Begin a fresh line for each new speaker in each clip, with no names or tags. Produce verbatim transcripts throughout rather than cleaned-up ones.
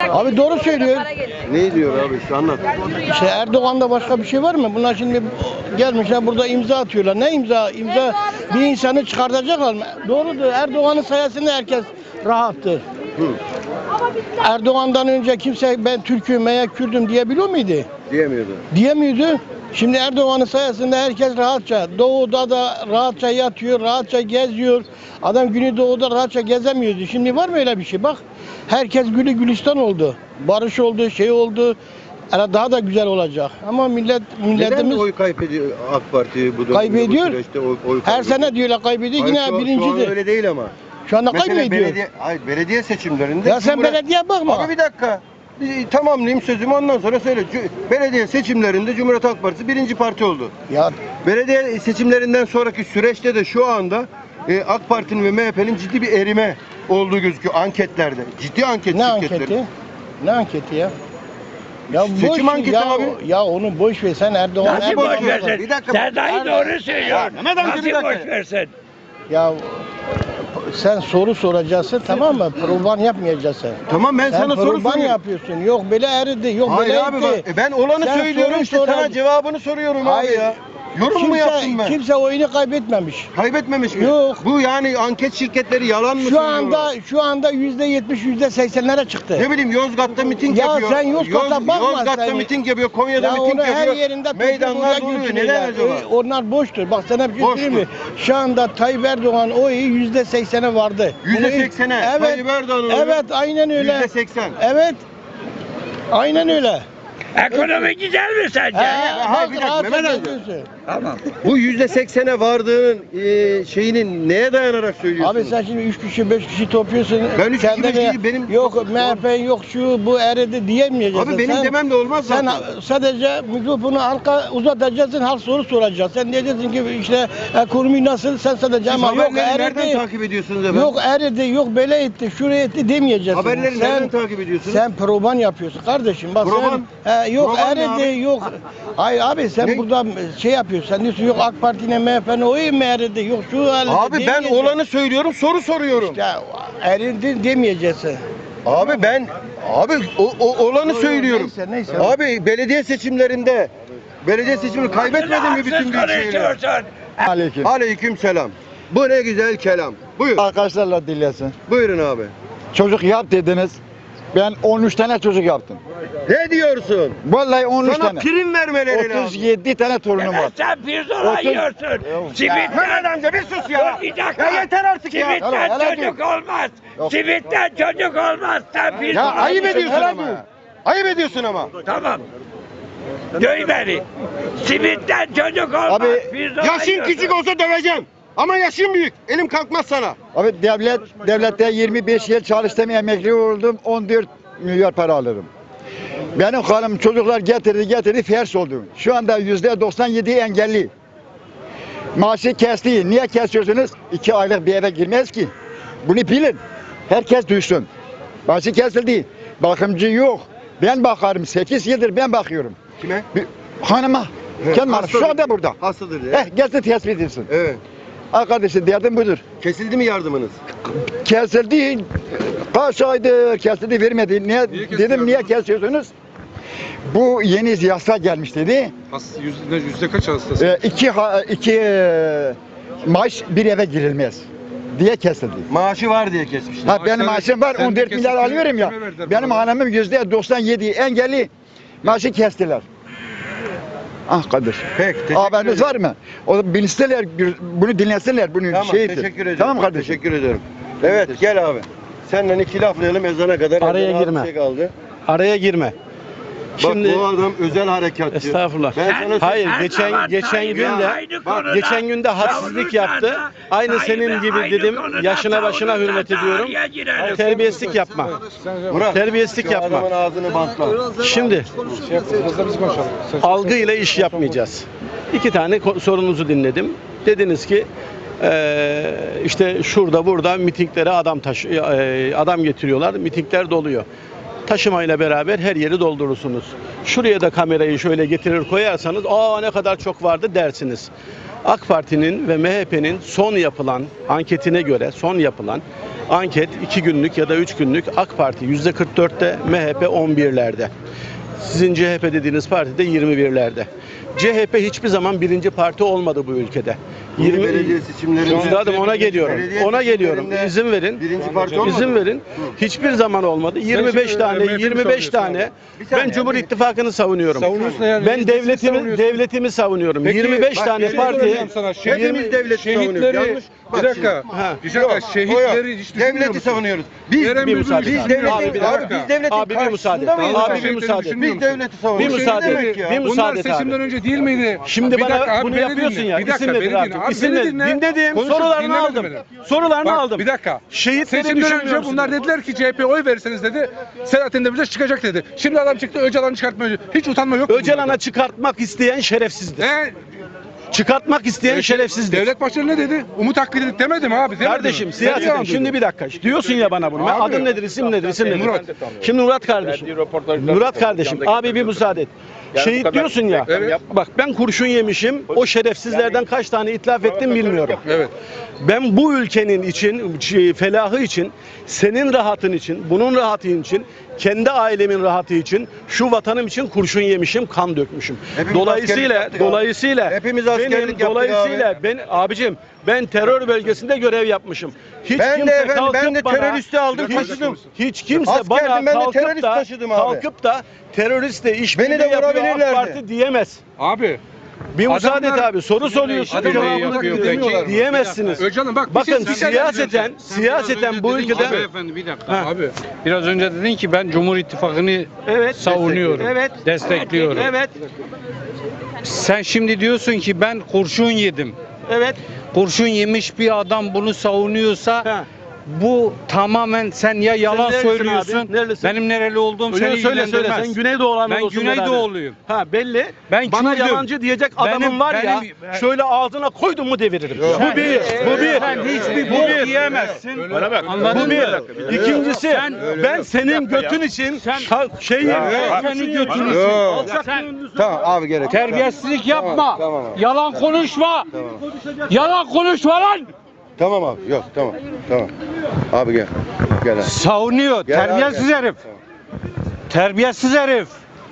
Abi doğru söylüyor.
Ne diyor abi işte anlat.
İşte Erdoğan'da başka bir şey var mı? Bunlar şimdi gelmişler burada imza atıyorlar. Ne imza? İmza bir insanı çıkartacaklar mı? Doğrudur. Erdoğan'ın sayesinde herkes rahattır.
Hı.
Erdoğan'dan önce kimse ben Türk'üm veya Kürt'üm diyebiliyor muydu?
Diyemiyordu.
Diyemiyordu. Şimdi Erdoğan'ın sayesinde herkes rahatça, doğuda da rahatça yatıyor, rahatça geziyor. Adam Güneydoğu'da rahatça gezemiyordu. Şimdi var mı öyle bir şey? Bak, herkes gülü gülistan oldu. Barış oldu, şey oldu. Yani daha da güzel olacak. Ama millet milletimiz
Neden oy kaybediyor AK Parti bu,
kaybediyor.
bu süreçte oy, oy kaybediyor?
Her sene diyorlar kaybediyor.
Hayır,
Yine
şu,
birincidir.
Şu an öyle değil ama.
Şu anda
Mesela
kaybediyor.
belediye, hayır, belediye seçimlerinde...
Ya sen
Cumhuriyet-
belediye bakma.
Abi bir dakika. Bir tamamlayayım sözümü ondan sonra söyle. Cu- Belediye seçimlerinde Cumhuriyet Halk Partisi birinci parti oldu.
Ya
Belediye seçimlerinden sonraki süreçte de şu anda e, AK Parti'nin ve M H P'nin ciddi bir erime olduğu gözüküyor anketlerde. Ciddi anket
ne
şirketleri.
anketi? Ne anketi ya? Ya
Seçim
boş,
anketi
ya,
abi.
Ya onu boş ver sen Erdoğan.
Nasıl
Erdoğan
boş versin?
Bir dakika.
Sen dahi doğru söylüyorsun.
Mehmet amca,
Nasıl
bir dakika.
boş versin?
Ya sen soru soracaksın tamam mı? Provan yapmayacaksın.
Tamam ben
Sen
sana soru
provan
soruyorum.
yapıyorsun. Yok böyle eridi, yok
Hayır
böyle
abi
etti.
bak, e, ben olanı
Sen
söylüyorum
soru
işte
soran-
sana cevabını soruyorum abi
Hayır.
ya. Yorum mu yaptım
Kimse,
ben?
kimse oyunu kaybetmemiş.
Kaybetmemiş mi?
Yok.
Bu yani anket şirketleri yalan mı
Şu
söylüyorlar?
anda şu anda yüzde yetmiş, yüzde seksenlere çıktı.
Ne bileyim Yozgat'ta miting
Ya
yapıyor.
sen Yozgat'a bakma
Yozgat'ta
sen.
miting yapıyor, Konya'da
Ya
miting
onu her
yapıyor.
yerinde
Meydanlar doluyor. Neden acaba?
Ö- Onlar boştur. Bak sana bir şey söyleyeyim mi? Şu anda Tayyip Erdoğan oyu yüzde seksene vardı.
Yüzde
Bunu-
seksene.
Evet.
Tayyip Erdoğan'ın oyu
Evet, aynen öyle.
Yüzde seksen.
Evet. Aynen öyle.
Ekonomi güzel mi sence?
Ha,
hayır,
bak,
bir dakika,
rahat
Mehmet amca.
ediyorsun.
Tamam.
Bu yüzde seksene vardığının e, şeyinin neye dayanarak söylüyorsun?
Abi sen şimdi üç kişi beş kişi topluyorsun.
Ben üç kişi,
kendine-
beş kişi, benim-
Yok M H P yok şu bu eridi diyemeyeceksin.
Abi benim
Sen-
demem de olmaz
Sen
zaten.
sadece mikrofonu halka uzatacaksın, halk soru soracak. Sen diyeceksin ki işte ekonomi nasıl, sen sadece
Siz
ama yok
haberleri nereden
eridi,
takip ediyorsunuz efendim?
yok eridi, yok böyle etti, şuraya etti demeyeceksin.
Haberleri
sen,
nereden takip ediyorsunuz?
Sen proban yapıyorsun kardeşim. Bak
Proban?
sen, he, yok
Proban ne
eridi,
abi?
yok. Hayır abi sen
Ne?
burada şey yapıyorsun. Sen diyorsun yok AK Parti'nin M H P'nin oyu mu eridi, yok şu halde
Abi ben
demeyeceksin.
olanı söylüyorum, soru soruyorum.
Ya eridi demeyeceksin.
Abi ben abi o, o olanı
Yo, yo,
söylüyorum.
neyse, neyse.
Abi belediye seçimlerinde belediye seçimini kaybetmedi mi bütün büyükşehirler?
konuşuyorsun?
Aleyküm.
Aleyküm selam. Bu ne güzel kelam. Buyur.
Arkadaşlarla dinlesin.
Buyurun abi.
Çocuk yap dediniz. Ben on üç tane çocuk yaptım.
Ne diyorsun?
Vallahi on üç
Sana
tane.
prim vermeleri lazım.
otuz yedi tane torunum var.
Evet, sen pirzola
Otuz-
yiyorsun.
Mehmet
Simitten,
amca bir sus ya.
Dur bir dakika.
Ya yeter artık ya.
Simitten
Helal, helal
çocuk olmaz.
Yok.
Simitten çocuk olmaz. Sen pirzola
Ya ayıp
yiyorsun.
ediyorsun
helal
ama.
diyor.
ya. Ayıp ediyorsun ama.
Tamam. Duy beni. Simitten çocuk olmaz.
Abi,
pirzola
Yaşın
yiyorsun.
küçük olsa döveceğim. Ama yaşın büyük. Elim kalkmaz sana.
Abi devlet devlette yirmi beş yıl çalıştım, emekli oldum. on dört milyar para alırım. Benim hanım çocuklar getirdi getirdi fers oldu. Şu anda yüzde doksan yedi engelli. Maaşı kesti. Niye kesiyorsunuz? İki aylık bir eve girmez ki. Bunu bilin. Herkes duysun. Maaşı kesildi. Bakımcı yok. Ben bakarım. sekiz yıldır ben bakıyorum.
Kime?
Bir, hanıma.
Evet,
Kendi hanım.
hastadır.
Şu anda burada.
Hastadır diye.
Eh gelsin tespit edilsin.
Evet.
Arkadaşım derdim budur.
Kesildi mi yardımınız?
Kesildi. Kaç aydır kesildi vermedi. Niye, dedim niye kesiyorsunuz? Bu yeni yasa gelmiş dedi.
Hasta, yüzde, yüzde kaç hastası?
Ee, iki, ha- iki e, maaş bir eve girilmez diye kesildi.
Maaşı var diye kesmişler.
Ha benim
Maaşları-
maaşım var
sen de
on dört milyar
kesip
alıyorum ya.
kime verdiler
Benim
bunu?
hanımım yüzde doksan yedi engelli maaşı kestiler. Ah kardeşim.
Peki, teşekkür
Haberiniz
ederim.
var mı? O bilsinler, bunu dinlesinler, bunu
Tamam,
şeydir.
teşekkür ederim.
Tamam kardeşim.
Teşekkür ederim. Evet, gel abi. Seninle iki laflayalım ezana kadar.
Araya
Ezana az
girme.
bir şey kaldı.
Araya girme.
Bak
Şimdi
bu adam özel harekatçı.
Estağfurullah.
Ben sana
Hayır,
Her
geçen
zaman
geçen
Tayyip
gün de
aynı konuda
geçen gün de hadsizlik yaptı.
savunursan da
Aynı
Tayyip'e
senin gibi
aynı
dedim.
konuda
Yaşına başına
savunursan
hürmet
da
ediyorum.
araya girerim.
Terbiyesizlik yapma.
Murat,
Terbiyesizlik
şu
yapma.
adamın ağzını bantla.
Şimdi
Şey yap, biraz da biz konuşalım. Sen-
algıyla iş yapmayacağız. İki tane ko- sorunuzu dinledim. Dediniz ki eee, işte şurada burada mitinglere adam taşı eee, adam getiriyorlar. Mitingler doluyor. Taşımayla beraber her yeri doldurursunuz. Şuraya da kamerayı şöyle getirir koyarsanız aa ne kadar çok vardı dersiniz. AK Parti'nin ve M H P'nin son yapılan anketine göre son yapılan anket iki günlük ya da üç günlük AK Parti yüzde kırk dörtte, M H P on birlerde. Sizin C H P dediğiniz parti de yirmi birlerde. C H P hiçbir zaman birinci parti olmadı bu ülkede.
yirmi belediye seçimlerinde
Üstadım ona geliyorum.
Belediye
Ona geliyorum.
seçimlerinde
İzin verin.
birinci parti olmadı
İzin
mı?
verin. Hiçbir zaman olmadı. yirmi beş
şimdi,
tane,
M H P'yi
yirmi beş
savunuyorsun
tane.
Bir saniye,
Ben Cumhur
bir-
İttifakı'nı savunuyorum.
Savunuyorsun yani.
Ben
Siz
devletimi
savunuyorsun.
devletimi savunuyorum.
Peki,
yirmi beş
bak,
tane
bir şey
parti.
soracağım sana.
Hepimiz devleti savunuyoruz.
Şehitleri,
Yanlış. Bak
bir dakika,
Ha.
bir dakika,
Yok, o
şehitleri
yok.
hiç düşünmüyor
Devleti
musun?
savunuyoruz. Biz
Eren
bir
Bülbül
müsaade.
hiç
biz
düşünmüyor
devletin,
musun?
bir
abi,
dakika.
biz devletin
Abi bir müsaade.
karşısında mıyız?
Abi
Abi,
bir müsaade.
düşünmüyor
Biz
musun?
devleti
Bir
savunuyoruz.
müsaade.
Ne demek ya?
Bir
Bunlar
müsaade
seçimden
abi.
önce değil miydi?
Şimdi
Bir
bana
dakika abi,
bunu
beni
yapıyorsun
dinle.
ya.
Bir dakika,
İsim
beni
nedir
dinle.
artık?
Abi,
İsim
beni
nedir?
dinle.
Dinledim.
Konuşup
Sorularını
dinlemedin
aldım.
beni.
Sorularını
Bak,
aldım.
bir dakika.
Şehitleri
Seçimden
düşünmüyor
önce
musun?
bunlar dediler ki C H P'ye oy verirseniz dedi. Selahattin Demirtaş çıkacak dedi. Şimdi adam çıktı Öcalan'ı çıkartmıyor. Hiç utanma yok. mu
Öcalan'a
bunlarda?
çıkartmak isteyen şerefsizdir.
E,
Çıkartmak isteyen şerefsizdir.
Devlet Bahçeli ne dedi? Umut Hakkı dedik demedi mi abi? Demedi
Kardeşim
mi? Sen yalan
siyaseten şimdi
duydun.
bir dakika diyorsun ya bana bunu. Ben
Abi.
adın nedir, isim nedir, isim nedir?
Murat.
Şimdi Murat kardeşim. Murat kardeşim abi bir müsaade et. Şehit diyorsun ya.
Evet.
Bak ben kurşun yemişim. O şerefsizlerden kaç tane itlaf ettim bilmiyorum.
Evet.
Ben bu ülkenin için, şey, felahı için, senin rahatın için, bunun rahatı için, kendi ailemin rahatı için, şu vatanım için kurşun yemişim, kan dökmüşüm.
Hepimiz
dolayısıyla,
askerlik yaptık abi.
dolayısıyla
Hepimiz askerlik
benim,
yaptık
dolayısıyla
abi.
ben abicim ben terör bölgesinde görev yapmışım. Hiç
Ben de
kimse
efendim, ben
kalkıp
de
bana-
teröristi aldım,
hiç,
taşıdım.
hiç kimse
Askerdim,
bana
ben de
kalkıp
terörist
da
taşıdım abi.
kalkıp da teröristle işbirliği
Beni de
yapıyor AK
vurabilirlerdi.
Parti diyemez.
Abi.
Bir müsaade et
Adamlar-
abi. Soru soruyorsun.
Adamlar
cevabını
yapıyor
diyemiyorlar.
peki.
Diyemezsiniz.
Öcalan bak bir
Bakın
şey- bir şey
siyaseten, siyaseten bu ülkede
Abi.
Beyefendi bir dakika.
Ha.
Abi.
Biraz önce dedin ki ben Cumhur İttifakı'nı
evet
savunuyorum.
Evet.
Destekliyorum.
Evet.
Sen şimdi diyorsun ki ben kurşun yedim.
Evet.
Kurşun yemiş bir adam bunu savunuyorsa
Ha.
bu tamamen sen ya yalan
nerelisin
söylüyorsun.
abi? Nerelisin?
Benim nereli olduğum seni
Söyle söyle söyle.
ilgilendirmez.
Sen Güneydoğu
Ben
olsun
Güneydoğuluyum.
Ha belli.
Ben
Bana
Kürdüm.
yalancı diyecek adamın
Benim-
var ya.
benim-
Şöyle ağzına koydum mu deviririm. Bu bir. Bu bir.
Sen hiçbir
Bu
bok
bir.
yiyemezsin.
Bana bak.
Anladın
Bu
mı?
bir. İkincisi ben senin götün için şa- şey
Senin götünü
Yok.
Sen
Tamam abi gerek yok.
terbiyesizlik yapma.
tamam abi.
Yalan konuşma. Yalan konuşma lan.
Tamam abi. Yok tamam. Tamam. Abi gel. Gel abi.
Savunuyor.
Gel abi,
Terbiyesiz
gel.
herif. Terbiyesiz herif.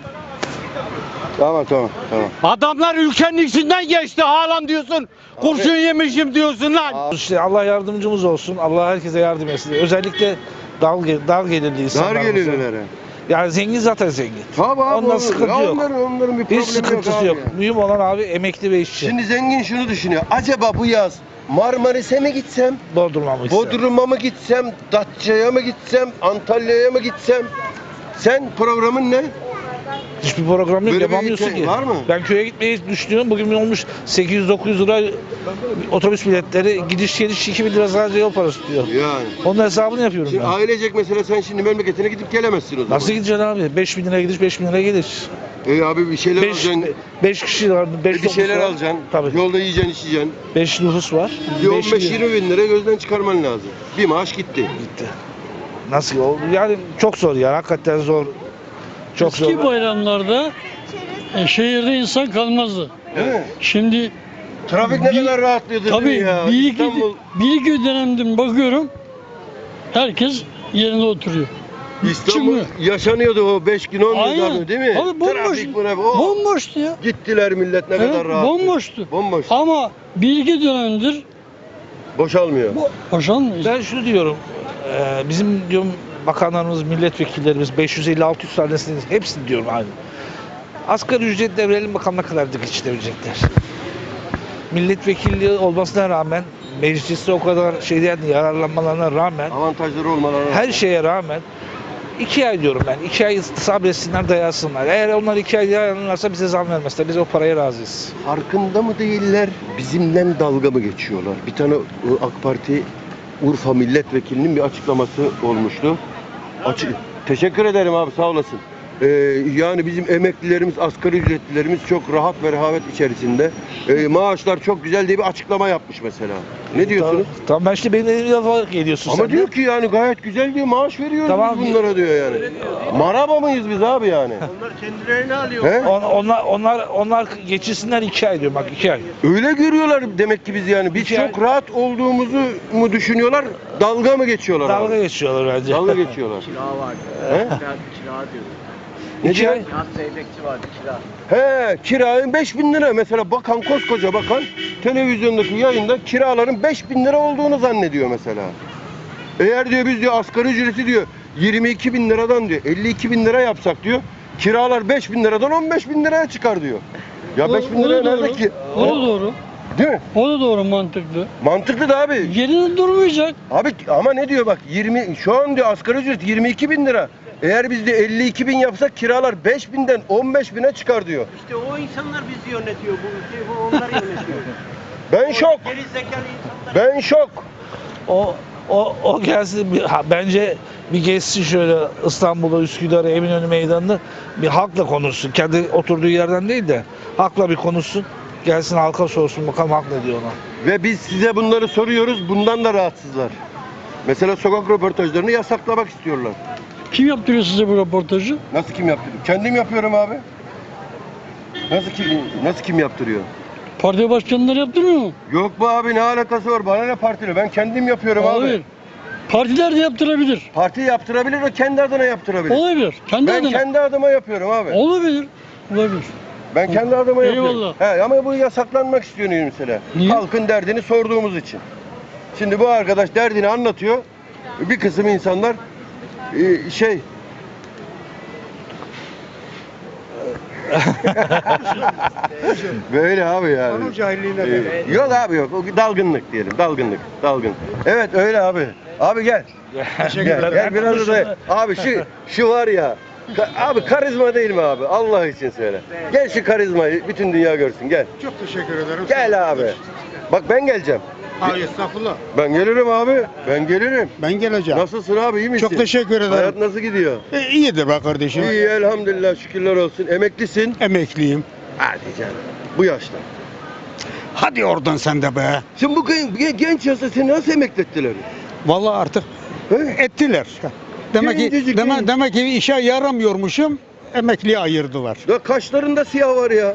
Tamam tamam tamam.
Adamlar ülkenin içinden geçti. Halen diyorsun. Kurşun yemişim diyorsun lan.
İşte Allah yardımcımız olsun. Allah herkese yardım etsin. Özellikle dar, dar gelirli
Dar
insanlarımıza.
gelirlere.
Yani zengin zaten zengin.
Tabii abi.
Ondan
olur.
sıkıntı
Ya
yok.
Onların, onların bir problemi
Hiç sıkıntısı
abi
yok.
ya.
Mühim olan abi emekli ve işçi.
Şimdi zengin şunu düşünüyor. Acaba bu yaz Marmaris'e mi gitsem?
Bodrum'a mı ister?
Bodrum'a mı gitsem? Datça'ya mı gitsem? Antalya'ya mı gitsem? Sen programın ne?
Hiçbir program yok.
Böyle bir
Yapamıyorsun
şey
ki.
var mı?
Ben köye gitmeyi düşünüyorum. Bugün olmuş sekiz yüz dokuz yüz lira otobüs biletleri. Gidiş geliş iki bin lira sadece yol parası tutuyor.
Yani.
Onun hesabını yapıyorum
Şimdi
ben.
ailecek mesela sen şimdi memleketine gidip gelemezsin o zaman.
Nasıl gideceksin abi? beş bin lira gidiş, beş bin lira gelir.
E abi bir şeyler
beş
alacaksın.
beş kişi var.
E
beş
bir şeyler alacaksın.
Tabii.
Yolda yiyeceksin, içeceksin.
beş nüfus var.
Bir
beş
on beş
bin-
yirmi bin lira gözden çıkarman lazım. Bir maaş gitti.
gitti. Nasıl oldu? Yani çok zor ya. Hakikaten zor. Çok
Eski
zor.
bayramlarda e, şehirde insan kalmazdı.
Değil mi?
Şimdi
Trafik ne
Bir-
kadar rahatlıyordu değil mi
tabii
ya?
bir iki,
İstanbul,
bir iki dönemdir bakıyorum herkes yerinde oturuyor.
İstanbul
çıkmıyor.
yaşanıyordu o beş gün on gün
Aynen.
abi, değil mi?
Abi bomboş.
Trafik bu ne? Oh.
Bomboştu ya.
Gittiler millet ne
Evet,
kadar rahat.
bomboştu.
Bomboş.
Ama bir iki dönemdir
Boşalmıyor.
boşanmıyor.
Ben şunu diyorum. e, bizim diyorum bakanlarımız, milletvekillerimiz beş yüz elli altı yüz tanesini hepsini diyorum aynı. Asgari ücretle verelim bakalım ne kadar geçirebilecekler. Milletvekilliği olmasına rağmen mecliste o kadar şeyden yararlanmalarına rağmen
Avantajları olmaları.
her şeye rağmen iki ay diyorum ben. iki ay sabretsinler, dayansınlar. Eğer onlar iki ay dayanırlarsa bize zam vermezler. Biz o paraya razıyız.
Farkında mı değiller? Bizimle dalga mı geçiyorlar? Bir tane e, AK Parti Urfa milletvekilinin bir açıklaması olmuştu. Açık. Teşekkür ederim abi sağ olasın. Ee, yani bizim emeklilerimiz, asgari ücretlilerimiz çok rahat ve rehavet içerisinde. Ee, maaşlar çok güzel diye bir açıklama yapmış mesela. Ne diyorsunuz?
Tamam, tamam ben işte benim elimi yaparak geliyorsun
Ama
sen
diyor
de.
ki yani gayet güzel diyor, maaş veriyoruz
Tamam.
biz bunlara diyor yani. Maraba mıyız biz abi yani?
Onlar kendilerini alıyor.
He?
On- onlar onlar onlar geçirsinler iki ay diyor bak iki ay.
Öyle görüyorlar demek ki biz yani. Biz
İki
çok
ay-
rahat olduğumuzu mu düşünüyorlar? Dalga mı geçiyorlar
Dalga
abi?
geçiyorlar bence.
Dalga geçiyorlar.
Kira var.
He?
Kira, kira diyor.
Ne
İki
diyor?
ay.
Yaz zeybekçi vardı kira.
He, kirayın beş bin lira. Mesela bakan, koskoca bakan televizyondaki yayında kiraların beş bin lira olduğunu zannediyor mesela. Eğer diyor biz diyor asgari ücreti diyor yirmi iki bin liradan diyor elli iki bin lira yapsak diyor kiralar beş bin liradan on beş bin liraya çıkar diyor. Ya beş bin
O da
liraya
doğru.
nerede ki?
O da doğru.
Değil mi?
O da doğru, mantıklı.
Mantıklı da abi.
Yerinde durmayacak.
Abi ama ne diyor bak yirmi şu an diyor asgari ücret yirmi iki bin lira. Eğer biz de elli iki bin yapsak kiralar beş binden on beş bine çıkar diyor.
İşte o insanlar bizi yönetiyor. Bu ülkeyi bu onlar yönetiyor.
Ben şok.
Geri zekalı insanlar.
Ben şok.
O o o gelsin bir, ha, bence bir gezsin şöyle İstanbul'da Üsküdar'a Eminönü Meydanı'nda bir halkla konuşsun. Kendi oturduğu yerden değil de halkla bir konuşsun. Gelsin halka sorsun bakalım halk ne diyor ona.
Ve biz size bunları soruyoruz. Bundan da rahatsızlar. Mesela sokak röportajlarını yasaklamak istiyorlar.
Kim yaptırıyor size bu röportajı?
Nasıl kim yaptırıyor? Kendim yapıyorum abi. Nasıl kim nasıl kim yaptırıyor?
Parti başkanları yaptırmıyor mu?
Yok bu abi ne alakası var? Bana ne partili? Ben kendim yapıyorum
Hayır.
abi.
Partiler de yaptırabilir.
Parti yaptırabilir o kendi adına yaptırabilir.
Olabilir. Kendi
Ben
adına.
kendi adıma yapıyorum abi.
Olabilir. Olabilir.
Ben kendi adıma yapıyorum.
Eyvallah.
He, ama bu yasaklanmak istiyor mesela.
Niye?
Halkın derdini sorduğumuz için. Şimdi bu arkadaş derdini anlatıyor. Bir kısım insanlar e, şey böyle abi yani.
Onun cahilliğine
Ee, yok abi yok. O dalgınlık diyelim. Dalgınlık. Dalgın. Evet öyle abi. Abi gel. Gel, gel biraz da. Abi şu şu var ya. ka- Abi karizma değil mi abi? Allah için söyle. Gel şu karizmayı bütün dünya görsün. Gel.
Çok teşekkür ederim.
Gel abi. Bak ben geleceğim.
Hayır estağfurullah.
Ben gelirim abi. Ben gelirim.
Ben geleceğim.
Nasılsın abi? İyi misin?
Çok teşekkür ederim.
Hayat nasıl gidiyor?
E, iyidir be kardeşim.
İyi elhamdülillah şükürler olsun. Emeklisin.
Emekliyim.
Hadi canım. Bu yaşta.
Hadi oradan sen de be.
Şimdi bu gen- genç yaşta seni nasıl emekli ettiler?
Vallahi artık
He?
ettiler. Demek ki
Gencecik
demek,
genç.
demek ki işe yaramıyormuşum. Emekliye ayırdılar.
Ya kaşlarında siyah var ya.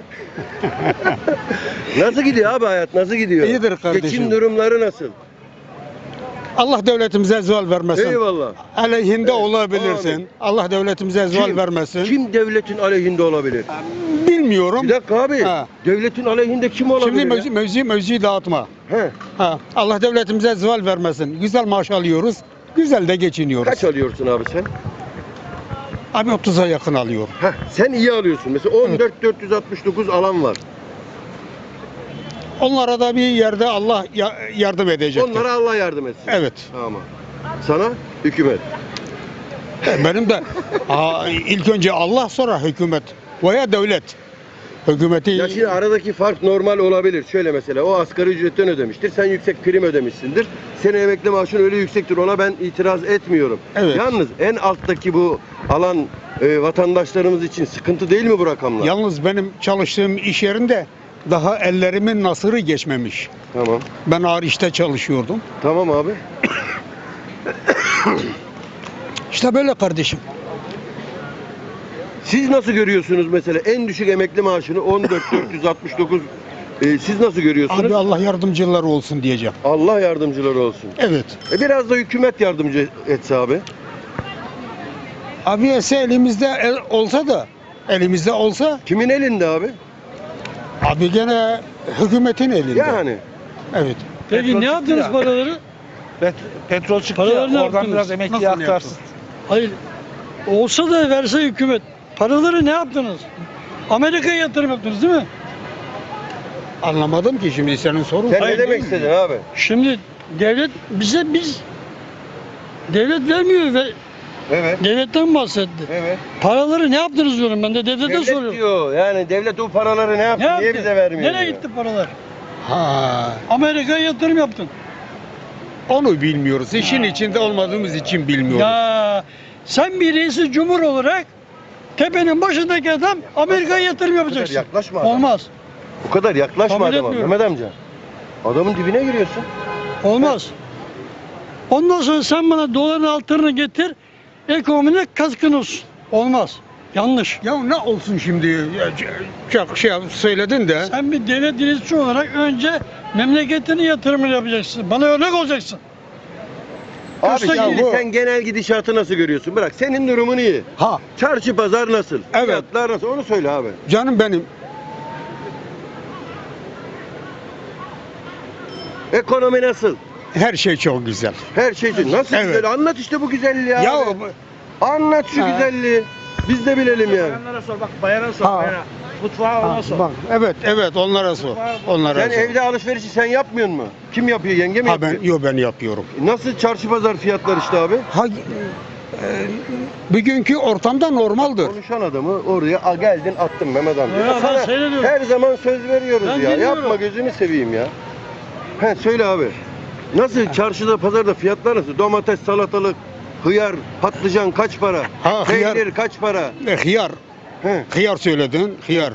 Nasıl gidiyor abi hayat? Nasıl gidiyor?
İyidir kardeşim.
Geçim durumları nasıl?
Allah devletimize zeval vermesin.
Eyvallah.
Aleyhinde olabilirsin.
Amin.
Allah devletimize zeval
Kim-
vermesin.
Kim devletin aleyhinde olabilir?
Bilmiyorum.
Bir dakika abi.
Ha.
Devletin aleyhinde kim olabilir
Şimdi
ya?
mevzi, mevzi, mevzi dağıtma.
He.
Ha. Allah devletimize zeval vermesin. Güzel maaş alıyoruz. Güzel de geçiniyoruz.
Kaç alıyorsun abi sen?
Abi otuza yakın alıyorum.
Heh, sen iyi alıyorsun. Mesela on dört bin dört yüz altmış dokuz alan var.
Onlara da bir yerde Allah ya- yardım edecektir.
Onlara Allah yardım etsin.
Evet.
Tamam. Sana hükümet.
Benim de aa, ilk önce Allah sonra hükümet veya devlet. Hükümeti
Ya şimdi aradaki fark normal olabilir. Şöyle mesela o asgari ücretten ödemiştir. Sen yüksek prim ödemişsindir. Senin emekli maaşın öyle yüksektir. Ona ben itiraz etmiyorum.
Evet.
Yalnız en alttaki bu alan e, vatandaşlarımız için sıkıntı değil mi bu rakamlar?
yalnız benim çalıştığım iş yerinde daha ellerimin nasırı geçmemiş.
Tamam.
Ben ağır işte çalışıyordum.
Tamam abi.
İşte böyle kardeşim.
Siz nasıl görüyorsunuz mesela en düşük emekli maaşını on dört bin dört yüz altmış dokuz e, siz nasıl görüyorsunuz?
Abi Allah yardımcıları olsun diyeceğim.
Allah yardımcıları olsun.
Evet.
E biraz da hükümet yardımcı etse abi.
Abi ese elimizde el, olsa da elimizde olsa
Kimin elinde abi?
abi gene hükümetin elinde.
Yani.
Evet.
Peki
Petrol
ne
çıktı
yaptınız
ya.
paraları?
Pet- petrol çıktı
Paraları
ya,
ne
oradan
yaptınız?
biraz emekliye
Nasıl
aktarsın.
Hayır. Olsa da verse hükümet. Paraları ne yaptınız? Amerika'ya yatırım yaptınız değil mi?
Anlamadım ki şimdi senin sorun.
Sen
Hayır,
ne demek
değil mi?
istedin abi?
Şimdi devlet bize biz devlet vermiyor ve
Evet.
devletten bahsetti.
Evet.
Paraları ne yaptınız diyorum ben de devlete
Devlet
soruyorum.
diyor. Yani devlet o paraları ne yaptı?
Ne yaptı?
Niye bize vermiyor?
Nereye
diyor.
gitti paralar?
Ha,
Amerika'ya yatırım yaptın.
onu bilmiyoruz. İşin içinde olmadığımız için bilmiyoruz.
Ya sen bir reisi cumhur olarak tepenin başındaki adam Amerika'ya yatırım
Bu kadar
yapacaksın.
yaklaşma adama.
Olmaz.
Bu kadar yaklaşma
Kabul
adama
etmiyorum.
Mehmet amca. Adamın dibine giriyorsun.
Olmaz. Ondan sonra sen bana doların altını getir, ekonomine katkın olsun. Olmaz. Yanlış.
Ya ne olsun şimdi? Ya, Çok şey söyledin de.
Sen bir devlet yöneticisi olarak önce memleketine yatırımını yapacaksın. Bana örnek olacaksın.
Abi
Kısa
şimdi
gibi.
sen genel gidişatı nasıl görüyorsun? Bırak senin durumun iyi.
Ha
Çarşı pazar nasıl?
Evet.
Fiyatlar nasıl? Onu söyle abi.
canım benim.
Ekonomi nasıl?
Her şey çok güzel.
Her şey için. Nasıl
Evet.
güzel? Anlat işte bu güzelliği ya.
Ya
abi. Anlat şu
Ha.
güzelliği. Biz de bilelim yani.
Bayanlara sor bak bayana sor
Ha.
bayana. Mutfağa ona sor.
bak evet evet onlara sor. Onlara
Sen
sor.
evde alışverişi sen yapmıyor mu? Kim yapıyor? Yenge mi
Ha ben
yapıyor?
yo ben yapıyorum.
Nasıl çarşı pazar fiyatlar işte abi?
Ha e, bugünkü ortamda normaldir.
Konuşan adamı oraya a, geldin attın Mehmet amca.
Ya ben
Sana
seyrediyorum.
her zaman söz veriyoruz
Ben
ya.
dinliyorum.
Yapma gözünü seveyim ya. He söyle abi. Nasıl çarşıda pazarda fiyatlar nasıl? Domates, salatalık, hıyar, patlıcan kaç para?
Ha, hıyar.
Peynir kaç para?
E, hıyar.
He,
Hıyar söyledin. Hıyar.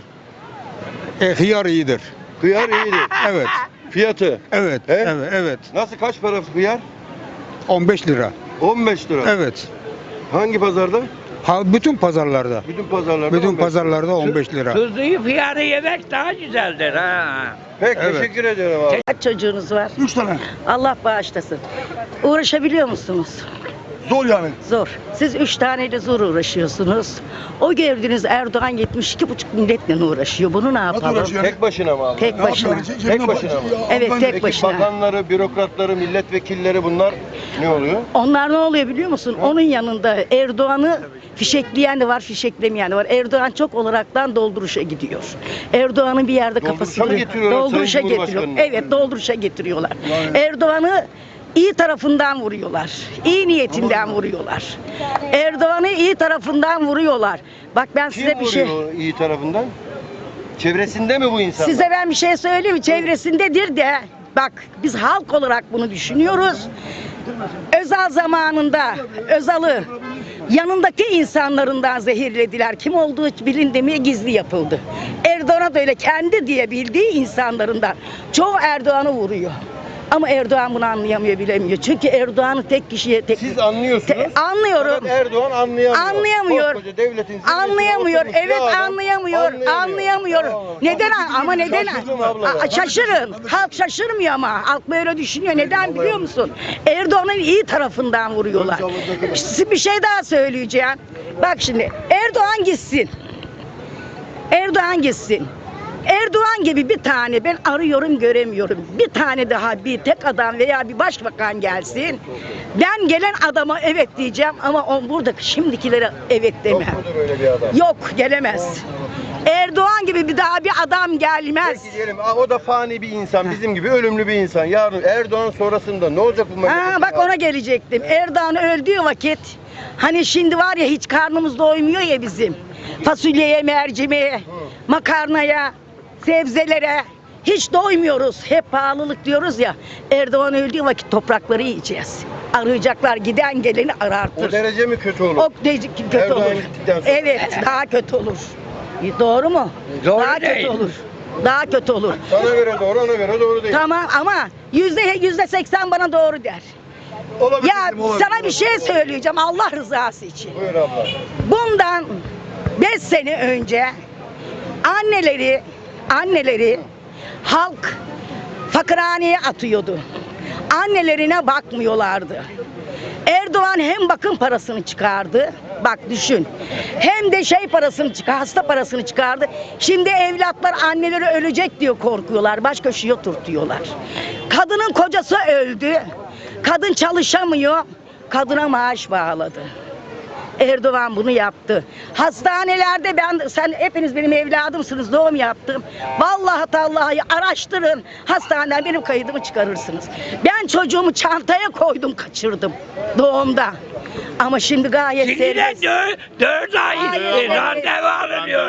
E, hıyar iyidir.
hıyar iyidir.
Evet.
Fiyatı.
Evet.
He?
Evet. Evet.
Nasıl kaç para hıyar?
on beş lira.
on beş lira.
Evet.
Hangi pazarda?
Ha bütün pazarlarda.
Bütün pazarlarda.
Bütün
on beş lira.
pazarlarda on beş lira.
Tuzluyu fiyarı yemek daha güzeldir ha.
Peki
Evet.
teşekkür ediyorum abi.
Kaç çocuğunuz var?
Üç tane.
Allah bağışlasın. Uğraşabiliyor musunuz?
Zor yani.
Zor. Siz üç taneyle zor uğraşıyorsunuz. O gördüğünüz Erdoğan yetmiş iki buçuk milletle uğraşıyor. Bunu ne yapalım?
Tek başına mı abi?
Tek başına.
Tek başına mı?
Evet tek
Peki
başına.
bakanları, bürokratları, milletvekilleri bunlar ne oluyor?
Onlar ne oluyor biliyor musun? Onun yanında Erdoğan'ı fişekleyen de var, fişeklemeyen de var. Erdoğan çok olaraktan dolduruşa gidiyor. Erdoğan'ın bir yerde
Dolduruşa
kafasını
mı getiriyorlar
dolduruşa
Sayın
getiriyor.
Cumhurbaşkanı'nı?
Evet, dolduruşa getiriyorlar. Erdoğan'ı iyi tarafından vuruyorlar. İyi niyetinden vuruyorlar. Erdoğan'ı iyi tarafından vuruyorlar. Bak ben
Kim
size bir şey
vuruyor iyi tarafından? Çevresinde mi bu insanlar?
Size ben bir şey söyleyeyim mi? Çevresindedir de bak biz halk olarak bunu düşünüyoruz. Özal zamanında Özal'ı yanındaki insanlarından zehirlediler. Kim olduğu bilindi mi gizli yapıldı. Erdoğan'a da öyle kendi diye bildiği insanlarından. Çoğu Erdoğan'ı vuruyor. Ama Erdoğan bunu anlayamıyor, bilemiyor. Çünkü Erdoğan'ı tek kişiye tek
Siz anlıyorsunuz.
Te- anlıyorum.
Fakat Erdoğan anlayamıyor.
Anlayamıyor.
Koskoca devletin zirvesinde
Anlayamıyor.
oturmuş bir
Evet
adam
anlayamıyor. Anlayamıyor.
Allah.
Neden? Ama neden?
Şaşırdım abla ya.
Aa, şaşırın. Halk şaşırmıyor ama. Halk böyle düşünüyor. Neden biliyor musun? Erdoğan'ın iyi tarafından vuruyorlar. Size bir şey daha söyleyeceğim. Bak şimdi Erdoğan gitsin. Erdoğan gitsin. Erdoğan gibi bir tane ben arıyorum göremiyorum. Bir tane daha bir tek adam veya bir başbakan gelsin. Ben gelen adama evet diyeceğim ama on buradaki şimdikilere evet demem.
Yok mudur öyle bir adam?
Yok gelemez. Erdoğan gibi bir daha bir adam gelmez.
Peki diyelim aa, o da fani bir insan, bizim gibi ölümlü bir insan. Yarın Erdoğan sonrasında ne olacak bu memleketin?
Ha, bak ona gelecektim. Erdoğan öldüğü vakit hani şimdi var ya hiç karnımız doymuyor ya bizim. Fasulyeye, mercimeğe, makarnaya, sebzelere hiç doymuyoruz. Hep pahalılık diyoruz ya. Erdoğan öldüğü vakit toprakları yiyeceğiz. Arayacaklar giden geleni arartır.
O derece mi kötü olur?
O derece kötü
Erdoğan
olur.
gittikten sonra.
Evet daha kötü olur. Doğru mu?
Doğru
daha
değil.
kötü olur. Daha kötü olur.
Sana göre doğru, ona göre doğru değil.
Tamam ama yüzde yüzde seksen bana doğru der.
Olabilir,
Ya
olabilir.
sana bir şey söyleyeceğim Allah rızası için.
Buyur abla.
Bundan beş sene önce anneleri anneleri halk fakirhaneye atıyordu. Annelerine bakmıyorlardı. Erdoğan hem bakım parasını çıkardı. Bak düşün. Hem de şey parasını çıkar, hasta parasını çıkardı. Şimdi evlatlar anneleri ölecek diyor korkuyorlar. Baş köşeye oturtuyorlar. Kadının kocası öldü. Kadın çalışamıyor. Kadına maaş bağladı. Erdoğan bunu yaptı. Hastanelerde ben sen hepiniz benim evladımsınız doğum yaptım. Vallahi tallahi araştırın. Hastaneden benim kaydımı çıkarırsınız. Ben çocuğumu çantaya koydum kaçırdım doğumda. Ama şimdi gayet
Şimdi de
serbest.
dört, dört ay
Hayır,
randevu alınıyor.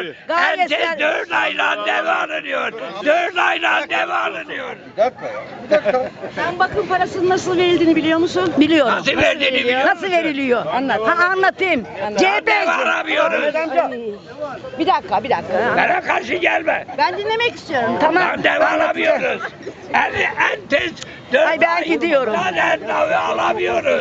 Gayet
Herkes dört ayla dev alınıyor. Dört ayla dev alınıyor.
Bir dakika ya. Bir dakika.
Sen bakım parasının nasıl verildiğini biliyor musun? Biliyorum.
Nasıl verdiğini biliyor musun?
Nasıl veriliyor? Anlat. Ha, anlatayım. C B
Dev alamıyoruz.
Bir dakika, bir dakika.
Bana karşı gelme.
Ben dinlemek istiyorum. Tamam.
Lan dev alamıyoruz. En, en tez dört
Ay, ben gidiyorum.
En dev alamıyoruz.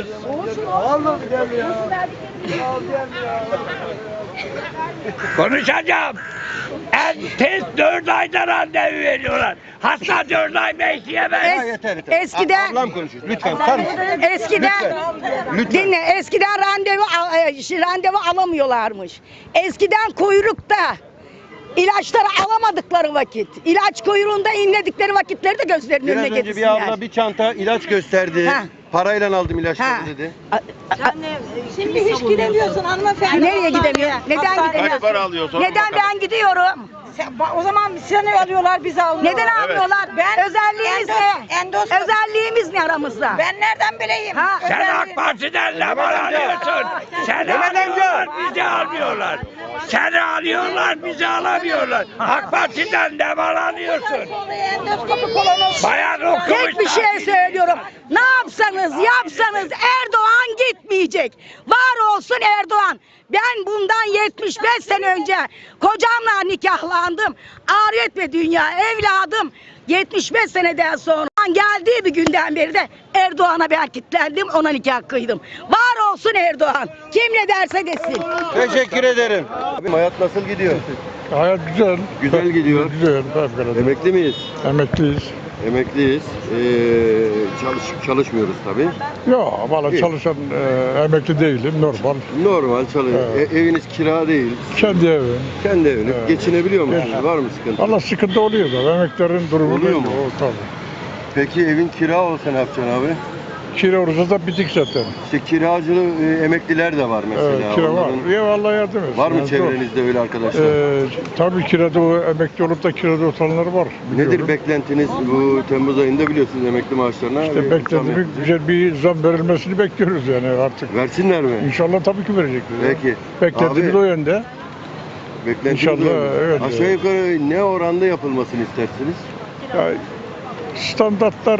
Konuşacağım. En tez dört ayda randevu veriyorlar. Hasta dört ay bekleyemez.
Es-
Yeter yeter.
eskiden-
Ablam konuşuyor. Lütfen sar mısın?
Eskiden
Lütfen.
dinle. Eskiden randevu al- e, şey, randevu alamıyorlarmış. Eskiden kuyrukta ilaçları alamadıkları vakit, ilaç kuyruğunda inledikleri vakitleri de gözlerinin
Biraz
önüne
önce bir
getirsinler.
abla bir çanta ilaç gösterdi.
Ha.
Parayla aldım ilaçları
Ha.
dedi.
A- a- a-
Şimdi hiç gidemiyorsun hanımefendi.
Nereye gidemiyor? Neden
Hastaneye.
gidemiyor?
para alıyorsun?
Neden ben gidiyorum?
Sen- O zaman seni alıyorlar, bizi almıyorlar.
Neden almıyorlar?
Ben
Özelliğimiz
endos-
ne?
endos-
Özelliğimiz ne aramızda?
Ben nereden bileyim?
Ha.
Sen
Özelliği-
AK Parti'den ne var alıyorsun? Seni
Mehmet amca.
alıyorlar, bizi almıyorlar. Seni alıyorlar, bizi alamıyorlar. AK Parti'den ne var alıyorsun?
Endoskopi kolonoz.
Bayan okumuş.
Tek bir şey söylüyorum. Ne yapsanız yapsanız Erdoğan gitmeyecek. Var olsun Erdoğan. Ben bundan yetmiş beş sene önce kocamla nikahlandım. Ariyet ve dünya evladım. yetmiş beş seneden sonra geldiği bir günden beri de Erdoğan'a ben kilitlendim, ona nikah kıydım. Var olsun Erdoğan. Kim ne derse desin.
Teşekkür ederim. Abi hayat nasıl gidiyor?
Hayat güzel.
Güzel gidiyor.
Güzel. Fevkalade.
Emekli miyiz?
Emekliyiz.
Emekliyiz. Ee, çalış, çalışmıyoruz tabii.
Yok valla
İyi.
çalışan e, emekli değilim. Normal.
Normal çalışıyor.
Evet.
E, eviniz kira değil.
Kendi evim.
Kendi eviniz.
Evet.
Geçinebiliyor musunuz?
Evet.
Var mı sıkıntı?
Valla sıkıntı oluyor da. Emeklerin durumu
Oluyor
belli.
mu?
O, tabii.
Peki evin kira olsa ne yapacaksın abi?
Kira olursa da bitik zaten.
İşte kiracılı e, emekliler de var mesela.
Evet, kira var.
Onların-
Ya vallahi yardım etsin.
Var mı
Yani zor.
çevrenizde öyle arkadaşlar?
Ee, tabii kirada o emekli olup da kirada oturanlar var.
Nedir
biliyorum.
beklentiniz bu Temmuz ayında biliyorsunuz emekli maaşlarına?
İşte
bir zam
beklediğimiz
yapılacak.
güzel bir zam verilmesini bekliyoruz yani artık.
Versinler mi?
İnşallah tabii ki verecekler. ya.
Peki.
Beklediğimiz
Abi-
o yönde.
Beklentiniz
İnşallah,
öyle.
evet.
Aşağı yukarı ne oranda yapılmasını istersiniz?
Ya, standartlar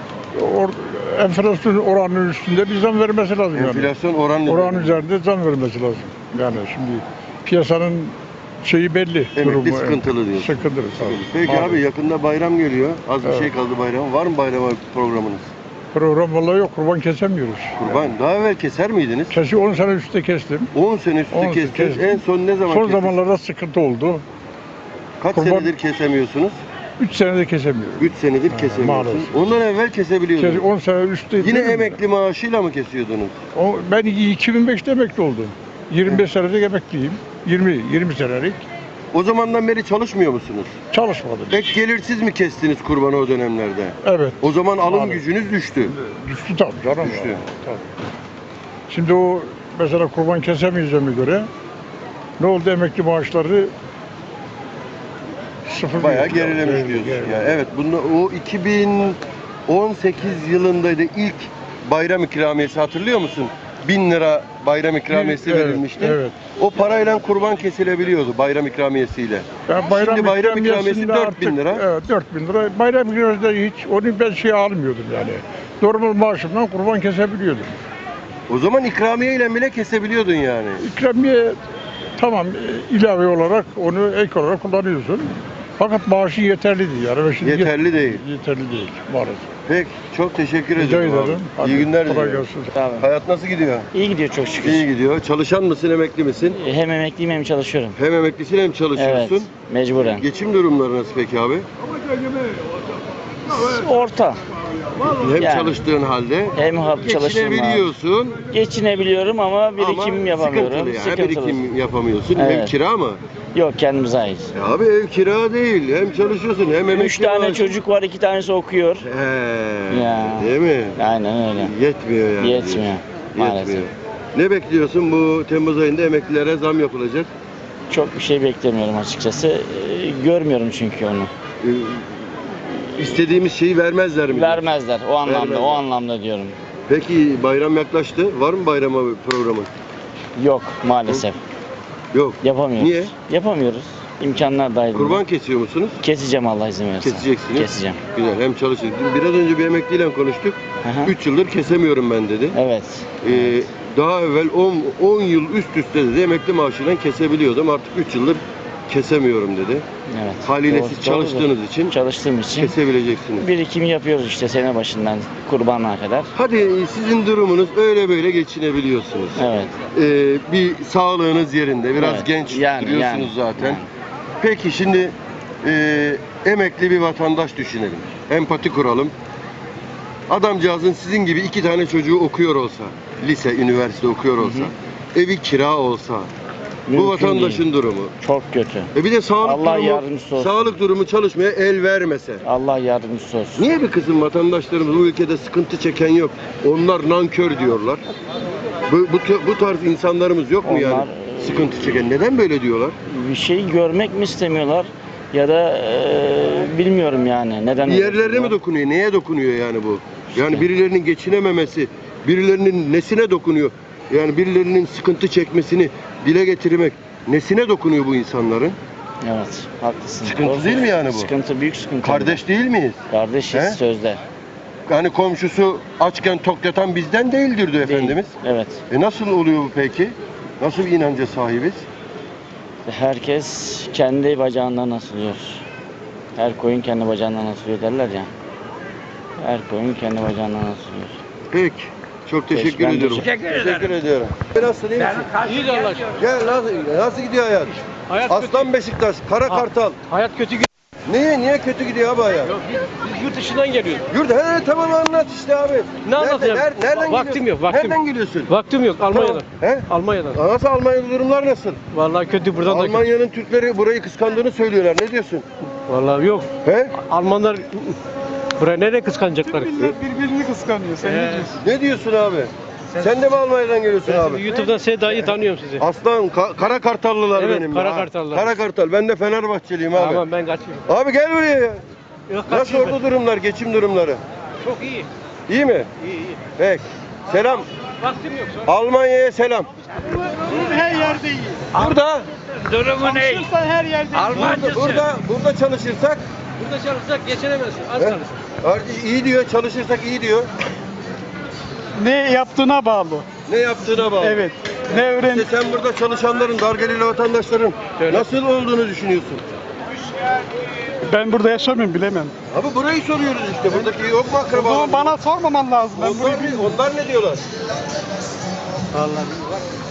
or, enflasyon oranının üstünde bir zam vermesi lazım yani.
Enflasyon oranı
Oranın üzerinde zam vermesi lazım. Yani şimdi piyasanın şeyi belli.
Emekli
durumu,
sıkıntılı diyorsun.
Sıkıntılı tabii.
Peki
Maalesef.
abi yakında bayram geliyor. Az bir
Evet.
şey kaldı bayram. Var mı bayrama programınız?
Program vallahi yok, kurban kesemiyoruz.
Kurban. Daha evvel keser miydiniz?
Kesi on sene üstte kestim.
on sene üstü
on sene
kestiniz.
kestim.
En son ne zaman
Son
kestiniz?
zamanlarda sıkıntı oldu.
Kaç
kurban-
senedir kesemiyorsunuz?
üç senede kesemiyoruz.
üç senedir
Ha,
kesemiyorsunuz.
maalesef.
Ondan evvel kesebiliyordunuz.
Kes, on sene üstte.
Yine emekli maaşıyla mı kesiyordunuz?
O, ben iki bin beşte emekli oldum. yirmi beş senelik emekliyim. yirmi yirmi senelik.
O zamandan beri çalışmıyor musunuz?
Çalışmadım.
Pek gelirsiz mi kestiniz kurbanı o dönemlerde?
Evet.
O zaman alım
Maalesef.
gücünüz düştü.
Düştü tabii canım.
Düştü.
Ya, tabii. Şimdi o mesela kurban kesemeyeceğime göre ne oldu, emekli maaşları sıfır.
Bayağı
gitti.
gerilemiş
Evet,
diyorsun.
gerilemiş.
Yani evet, bunda o iki bin on sekiz yılındaydı ilk bayram ikramiyesi, hatırlıyor musun? bin lira bayram ikramiyesi
Evet,
verilmişti.
evet.
O parayla kurban kesilebiliyordu bayram ikramiyesiyle.
Ya bayram
Şimdi bayram ikramiyesi
ikramiyesinde
dört bin
artık-
lira.
Evet dört bin lira. Bayram ikramiyesinde hiç onu ben şey almıyordum yani. Normal maaşımdan kurban kesebiliyordum.
O zaman ikramiye ile bile kesebiliyordun yani.
İkramiye tamam, e, ilave olarak onu ek olarak kullanıyorsun. Fakat maaşı yeterli değil yani. Ve şimdi yet-
Yeterli değil.
Yeterli değil maalesef.
Peki, çok teşekkür
Rica
ederim. abi.
ederim. Hadi,
İyi günler
kolay
diliyorum.
gelsin.
Hayat nasıl gidiyor?
İyi gidiyor çok şükür.
İyi gidiyor. Çalışan mısın, emekli misin?
Hem emekliyim hem çalışıyorum.
Hem emeklisin hem çalışıyorsun.
Evet, mecburen.
Geçim durumları nasıl peki abi?
Orta.
Hem
Yani.
çalıştığın halde
Hem hap çalıştığım
geçinebiliyorsun
Geçinebiliyorum ama birikim
ama
yapamıyorum.
sıkıntılı yani.
Sıkıntılı.
Birikim yapamıyorsun. Ev
Evet.
kira mı?
Yok, kendimize ait.
Ya abi ev kira değil. Hem çalışıyorsun hem emekli
Üç tane
maaşı.
çocuk var, iki tanesi okuyor.
He,
Ya.
değil mi?
Aynen öyle.
Yetmiyor yani.
Yetmiyor, maalesef.
Yetmiyor. Ne bekliyorsun? Bu Temmuz ayında emeklilere zam yapılacak.
Çok bir şey beklemiyorum açıkçası. Ee, Görmüyorum çünkü onu.
Ee, istediğimiz şeyi vermezler mi?
Vermezler o anlamda,
Vermezler.
o anlamda diyorum.
Peki bayram yaklaştı. Var mı bayrama programı?
Yok maalesef.
Yok.
Yapamıyoruz.
Niye?
Yapamıyoruz. İmkanlar dahilinde.
Kurban kesiyor musunuz?
Keseceğim Allah izin verirse.
Keseceksiniz.
Keseceğim.
Güzel. Hem çalışır. Biraz önce bir emekliyle konuştuk.
Aha.
üç yıldır kesemiyorum ben dedi.
Evet.
Ee, daha evvel on yıl üst üste dedi emekli maaşıyla kesebiliyordum. Artık üç yıldır kesemiyorum dedi.
Evet.
Haliyle
Doğru-
siz
doğrudur.
çalıştığınız için
Çalıştığım için
kesebileceksiniz.
birikim yapıyoruz işte sene başından kurbana kadar.
Hadi sizin durumunuz öyle böyle geçinebiliyorsunuz.
Evet.
Ee, bir sağlığınız yerinde, biraz
Evet.
genç
Yani,
duruyorsunuz
yani,
zaten.
yani.
Peki şimdi e, emekli bir vatandaş düşünelim. Empati kuralım. Adamcağızın sizin gibi iki tane çocuğu okuyor olsa, lise, üniversite okuyor olsa, evi kira olsa, bu
Mümkün
vatandaşın
değil.
durumu.
Çok kötü.
E bir de sağlık
Allah
durumu,
yardımcısı olsun.
sağlık durumu çalışmaya el vermese.
Allah yardımcısı olsun.
Niye bir kısım vatandaşlarımız bu ülkede sıkıntı çeken yok? Onlar nankör diyorlar. Bu, bu, bu tarz insanlarımız yok mu yani?
Onlar,
Sıkıntı çeken. Neden böyle diyorlar?
Bir şeyi görmek mi istemiyorlar ya da eee, bilmiyorum yani neden.
Bir
öyle
yerlerine mi
diyorlar.
dokunuyor? Neye dokunuyor yani bu? Yani
İşte.
birilerinin geçinememesi, birilerinin nesine dokunuyor? Yani birilerinin sıkıntı çekmesini dile getirmek nesine dokunuyor bu insanların?
Evet, haklısın.
Sıkıntı
Doğru
değil mi yani bu?
Sıkıntı, büyük sıkıntı.
Kardeş değil miyiz?
Kardeşiz
He?
sözde.
Yani komşusu açken tok yatan bizden değildir diyor
Değil.
Efendimiz.
Evet.
E nasıl oluyor bu peki? Nasıl bir inanca sahibiz?
Herkes kendi bacağından asılıyor. Her koyun kendi bacağından asılıyor derler ya. Her koyun kendi bacağından asılıyor.
Peki. Çok teşekkür
ben
ediyorum.
teşekkür ederim.
Teşekkür ediyorum. Nasıl iyi misin?
İyi de Allah aşkına.
Gel nasıl, nasıl gidiyor hayat?
Hayat
Aslan Beşiktaş, Kara
Ha.
Kartal.
Hayat kötü gidiyor.
Niye niye kötü gidiyor abi hayat?
Biz yurt dışından geliyoruz.
Yurt he tamam anlat işte abi.
Ne anlatacağım?
Nereden, nereden
Vaktim
geliyorsun?
yok, vaktim.
Nereden geliyorsun?
Vaktim yok Almanya'dan.
He?
Almanya'dan.
Nasıl Almanya'da durumlar nasıl?
Vallahi kötü buradan da kötü.
Almanya'nın Türkleri burayı kıskandığını söylüyorlar. Ne diyorsun?
Vallahi yok.
He?
Almanlar buraya nereye kıskanacaklar?
birbirini kıskanıyor. Sen
Ee,
Ne diyorsun abi? Sen de mi Almanya'dan geliyorsun
Ben
abi?
YouTube'dan Seda'yı tanıyorum sizi.
Aslan, ka- Kara Kartallılar
Evet,
benim.
Kara
Ha,
Kartallılar.
Kara Kartal. Ben de Fenerbahçeliyim abi.
Tamam ben kaçıyorum.
Abi gel buraya ya.
Yok,
Nasıl
kaçıyorum
orada durumlar, geçim durumları?
ben. Çok iyi.
İyi mi?
İyi iyi.
Peki. Selam.
Vaktim yok. sonra.
Almanya'ya selam.
her yerde iyi.
Burada,
Durumu ne?
her yerde
burada,
Almancısı.
burada, burada çalışırsak
Burada çalışsak geçinemezsin. Az
he?
çalış.
Ar- iyi diyor, çalışırsak iyi diyor.
ne yaptığına bağlı.
Ne yaptığına bağlı.
Evet. Ne öğren
İşte sen burada çalışanların, dargeliyle vatandaşların
Öyle.
nasıl olduğunu düşünüyorsun?
Ben burada yaşamıyorum bilemem.
Abi burayı soruyoruz işte. Buradaki yok mu
O
akrabalar?
zaman bana sormaman lazım. Ben
Onlar,
burayı
ne- onlar ne diyorlar?
Vallahi.